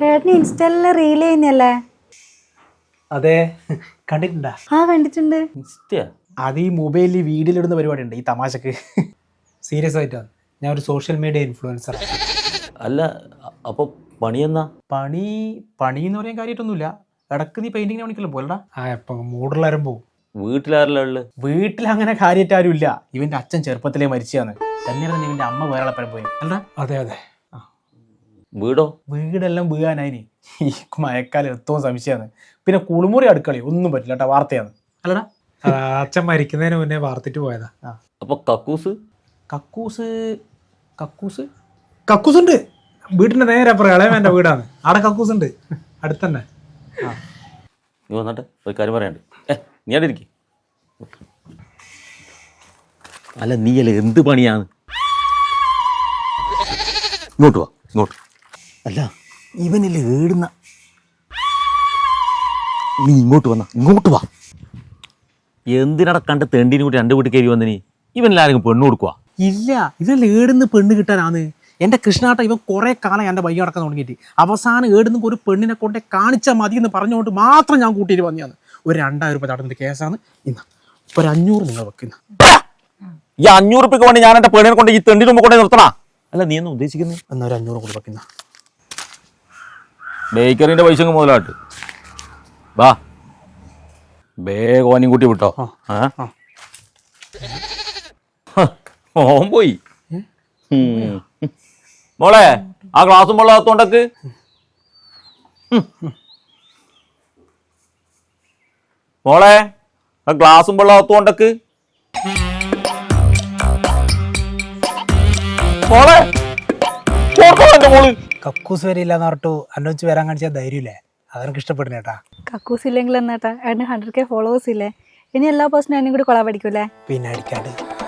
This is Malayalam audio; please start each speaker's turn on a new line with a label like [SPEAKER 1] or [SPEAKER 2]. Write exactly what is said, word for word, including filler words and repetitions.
[SPEAKER 1] ഏട്ടന് ഇൻസ്റ്റയിലെ റീൽ ചെയ്യുന്നല്ലേ?
[SPEAKER 2] അതെ, കണ്ടിട്ടുണ്ടാ?
[SPEAKER 1] ആ കണ്ടിട്ടുണ്ട്.
[SPEAKER 2] അത് ഈ മൊബൈലിൽ വീഡിയോയിലിടുന്ന പരിപാടി ഉണ്ട് ഈ തമാശക്ക്. സീരിയസ് ആയിട്ടാണ്, ഞാൻ ഒരു സോഷ്യൽ മീഡിയ ഇൻഫ്ലുവൻസർ.
[SPEAKER 3] അല്ല അപ്പൊ പണി എന്നാ?
[SPEAKER 2] പണി പണി എന്ന് പറയാൻ കാര്യമായിട്ടൊന്നുമില്ല. ഇടക്ക് നീ പെയിന്റിങ്ങിന് പണിക്കല്ലോ പോലടാ. ആ എപ്പം മൂടുള്ളവരും പോവും.
[SPEAKER 3] വീട്ടിലാരല്ല ഉള്ളത്?
[SPEAKER 2] വീട്ടിൽ അങ്ങനെ കാര്യമായിട്ട് ആരും ഇല്ല. ഇവന്റെ അച്ഛൻ ചെറുപ്പത്തിലേ മരിച്ചാണ്. തന്നെയാണ് തന്നെ ഇവന്റെ അമ്മ വേറെ പരം പോയി അല്ലടാ. അതെ അതെ.
[SPEAKER 3] വീടോ?
[SPEAKER 2] വീടെല്ലാം വീഴാനായി. ഈ മഴക്കാലം എത്തവും സംശയമാണ്. പിന്നെ കുളിമുറി അടുക്കളി ഒന്നും പറ്റില്ല കേട്ടോ, വാർത്തയാണ് അല്ലടാ. അച്ഛൻ മരിക്കുന്നതിന് മുന്നേ വാർത്തിട്ട് പോയതാ.
[SPEAKER 3] അപ്പൊ കക്കൂസ്?
[SPEAKER 2] കക്കൂസ് കക്കൂസ് കക്കൂസ് ഉണ്ട് വീട്ടിന്റെ നേരെ അപ്പുറം. ഇളയവന്റെ വീടാണ്, അവിടെ കക്കൂസ് ഉണ്ട് അടുത്തന്നെ.
[SPEAKER 3] നീ വന്നിട്ട് ഒരു കാര്യം പറയാണ്ട്. ഏ നീ അവിടെ ഇരിക്കും. അല്ല നീ അല്ല എന്ത് പണിയാണ്? ഇങ്ങോട്ട് വാ ഇങ്ങോട്ട്. അല്ല ഇവനല്ലേ ഏടുന്ന. നീ ഇങ്ങോട്ട് വന്ന ഇങ്ങോട്ട് വാ. എന്തിനട കണ്ട് തെണ്ടിനും കൂടി രണ്ട് വീട്ടിൽ കയറി വന്നിനി? ഇവനെല്ലാരും പെണ്ണ് കൊടുക്കുക?
[SPEAKER 2] ഇല്ല, ഇവനല്ലേ ഏടുന്ന് പെണ്ണ് കിട്ടാനാണ്. എൻ്റെ കൃഷ്ണാട്ട ഇവൻ കുറേ കാലം എൻ്റെ ബൈക്ക് അടക്കം തുടങ്ങിയിട്ട് അവസാനം ഏടുന്ന് ഒരു പെണ്ണിനെ കൊണ്ടേ കാണിച്ചാൽ മതി എന്ന് പറഞ്ഞുകൊണ്ട് മാത്രം ഞാൻ കൂട്ടിയിട്ട് വന്നതാണ്. ഒരു രണ്ടായിരം രൂപ തടഞ്ഞ കേസാണ്. ഇന്ന് ഒരു അഞ്ഞൂറ് നിങ്ങൾ വെക്കുന്ന.
[SPEAKER 3] ഈ അഞ്ഞൂറ് രൂപയ്ക്ക് വേണ്ടി ഞാൻ എൻ്റെ പെണ്ണിനെ കൊണ്ട് ഈ തെണ്ടി മുമ്പ് കൊണ്ടേ നിർത്തണ? അല്ല നീ എന്ന് ഉദ്ദേശിക്കുന്നത്?
[SPEAKER 2] എന്നാൽ ഒരു അഞ്ഞൂറ് കൂടി വെക്കുന്ന.
[SPEAKER 3] ബേക്കറിന്റെ പൈസ മുതലായിട്ട് വാ. ബേഗോനും കൂട്ടി വിട്ടോ. ഓൻ പോയി. മോളെ ആ ഗ്ലാസും വെള്ളത്തോണ്ടക്ക്. മോളെ ആ ഗ്ലാസും വെള്ളത്തോണ്ടക്ക്. മോളെ മോള്
[SPEAKER 2] കക്കൂസ് വരെ ഇല്ലാന്ന് പറഞ്ഞിട്ടു എന്നെ വെച്ച് വരാൻ കാണിച്ചാൽ ധൈര്യമില്ലേ? അതെനിക്ക് ഇഷ്ടപ്പെടുന്നേട്ടാ.
[SPEAKER 1] കക്കൂസ് ഇല്ലെങ്കിൽ എന്നാട്ടാ ഏട്ടന് ഹൺഡ്രഡ് കെ ഫോളോവേഴ്സ് ഇല്ലേ? ഇനി എല്ലാ പേഴ്സണും എന്നെ കൂടി കൊളാ പഠിക്കൂലേ?
[SPEAKER 2] പിന്നെ അടിക്കാണ്ട്